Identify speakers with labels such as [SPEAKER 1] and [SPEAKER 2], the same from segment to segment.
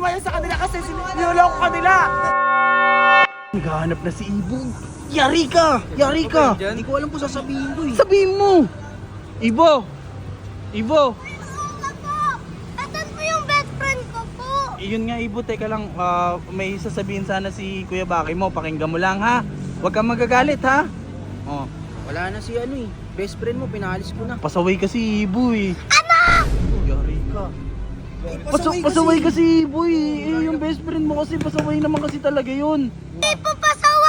[SPEAKER 1] maniniwala sa kanila kasi niloloko kanila.
[SPEAKER 2] Naghahanap na si Ibo. Yari ka! Yari ka!
[SPEAKER 3] Hindi ko alam kung sasabihin ko eh.
[SPEAKER 2] Sabihin mo! Ibo! Ibo!
[SPEAKER 4] Asan po yung best friend ko po?
[SPEAKER 2] Yun nga Ibo, teka lang. May sasabihin sana si Kuya Baki mo. Pakinggan mo lang ha. Huwag kang magagalit ha. Oh.
[SPEAKER 3] Wala na si ano eh. Best friend mo, pinalis ko na.
[SPEAKER 2] Pasaway kasi Ibo eh.
[SPEAKER 4] Ano?
[SPEAKER 2] Yari ka. Pasaway kasi Ibo eh. Yung best friend mo kasi pasaway naman kasi talaga yun.
[SPEAKER 4] Hindi po pasaway!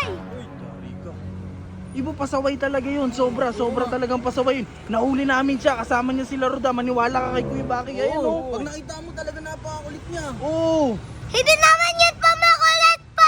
[SPEAKER 2] Ibo, pasaway talaga yun. Sobra talagang pasaway yun. Nahuli namin siya. Kasama niya sila Roda. Maniwala ka kay Kuya Baki. Ayun oh.
[SPEAKER 3] Pag nakita mo talaga napakakulit niya.
[SPEAKER 2] Oo.
[SPEAKER 4] Hindi naman yun po makulit po!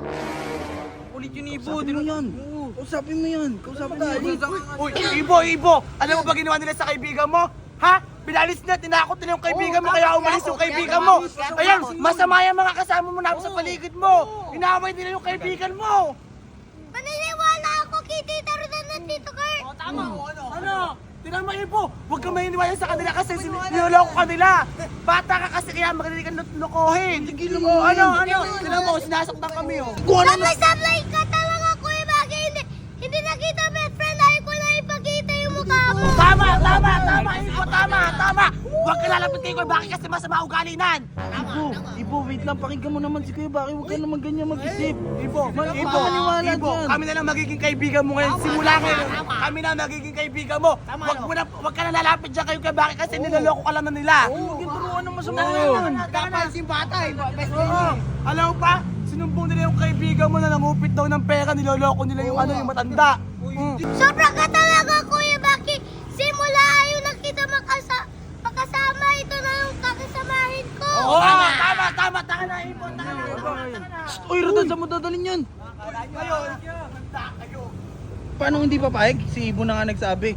[SPEAKER 3] Kulit yun Ibo.
[SPEAKER 2] Kausapin mo yan. Kausapin mo yan. Kausapin mo yan.
[SPEAKER 1] Uy, Ibo! Alam mo ba ginawa nila sa kaibigan mo? Ha? Binalis na, tinakot nila yung kaibigan mo kaya umalis yung kaibigan mo. Ayan, masama yung mga kasama mo na sa paligid mo. Inaway nila yung kaibigan mo.
[SPEAKER 4] Maniniwala ako kay Tita Rodan at Tito Kurt!
[SPEAKER 1] Ano? Tingnan mo Ibo, huwag kang maniniwala sa kanila kasi niloloko kanila. Bata ka kasi kaya magaling kang lokohin.
[SPEAKER 2] Tigilan mo
[SPEAKER 1] Oh,
[SPEAKER 2] yan.
[SPEAKER 1] ano? Tingnan mo, sinasaktan kami oh.
[SPEAKER 4] Sablay ka talaga Kuya Baki! Hindi nakita best friend! Ayaw ko na ipakita yung mukha mo!
[SPEAKER 1] Tama, Ibo, tama. Huwag ka lalapit kay Kuya Baki kasi masama ugali nan.
[SPEAKER 2] Ibo, wait lang. Pakinggan mo naman si Kuya Baki. Huwag ka naman ganyan mag-isip.
[SPEAKER 1] Ibo,
[SPEAKER 2] maniwala dyan.
[SPEAKER 1] kami na lang magiging kaibigan mo ngayon. Simula ngayon, kami na magiging kaibigan mo. Huwag ka na lalapit dyan kayo kay Baki kasi niloloko ka lang na nila.
[SPEAKER 2] Huwag yung turuan ng masama
[SPEAKER 1] Oo.
[SPEAKER 2] yan.
[SPEAKER 1] Dapat yung bata eh, best friend. Alam mo pa, sinumbong nila yung kaibigan mo na nangupit daw ng pera, niloloko nila yung yung matanda.
[SPEAKER 4] Sobra ka talaga Kuya Baki! Simula ayaw na kita makasama! Ito na yung kakasamahin ko!
[SPEAKER 1] Oo, tama, taka na, Ibo, taka na.
[SPEAKER 2] Uy, Rodan, saan mo dadalhin yan?
[SPEAKER 1] Ngayon, banda kayo.
[SPEAKER 2] Paano hindi papayag? Si Ibo na nga nagsabi.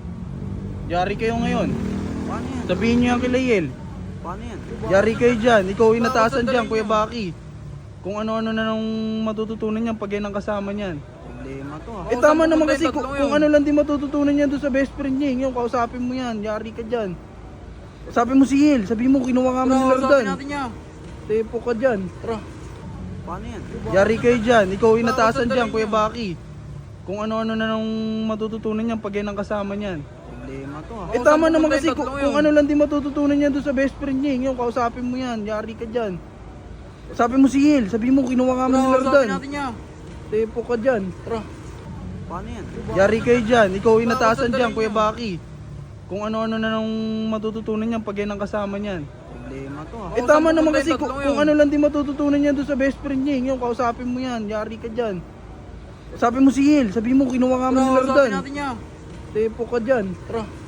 [SPEAKER 2] Yari kayo ngayon.
[SPEAKER 3] Paano yan?
[SPEAKER 2] Sabihin niyo yan kay Layel.
[SPEAKER 3] Paano yan?
[SPEAKER 2] Yari kayo dyan. Ikaw inatasan dyan, Kuya Baki. Kung ano-ano na nang matututunan niyan pag yan ang kasama niyan.
[SPEAKER 3] Problema to ha.
[SPEAKER 2] Eh tama naman kasi kung ano lang din matututunan niyan doon sa best friend niya. Yung kausapin mo yan. Yari ka dyan. Sabi mo si Yel. Sabi mo kinuha nga mo nila Rodan.
[SPEAKER 3] natin niya.
[SPEAKER 2] Tepo ka dyan. Tara.
[SPEAKER 3] Paano yan?
[SPEAKER 2] Yari kayo dyan. Ikaw inatasan dyan, Kuya Baki. Kung ano-ano na nang matututunan niyan pag yan ang kasama niyan.
[SPEAKER 3] Problema to ha.
[SPEAKER 2] Eh tama naman kasi kung ano lang din matututunan niyan doon sa best friend niya. Yung kausapin mo yan. Yari ka dyan. Sabi mo si Yel. Sabi mo kinuha nga mo nila Rodan.
[SPEAKER 3] natin niya.
[SPEAKER 2] Tepo ka dyan. Tara.
[SPEAKER 3] Paano yan?
[SPEAKER 2] Yari kayo dyan. Ikaw inatasan dyan, Kuya Baki. Kung ano-ano na nang matututunan niyan pag yan ang kasama niyan.
[SPEAKER 3] Problema to ha.
[SPEAKER 2] Eh tama naman kasi kung ano lang din matututunan niyan doon sa best friend niya. Yung kausapin mo yan. Yari ka dyan. Sabi mo si Yel. Sabi mo kinuha nga mo nila Rodan.
[SPEAKER 3] natin niya.
[SPEAKER 2] Tepo ka dyan. Tara.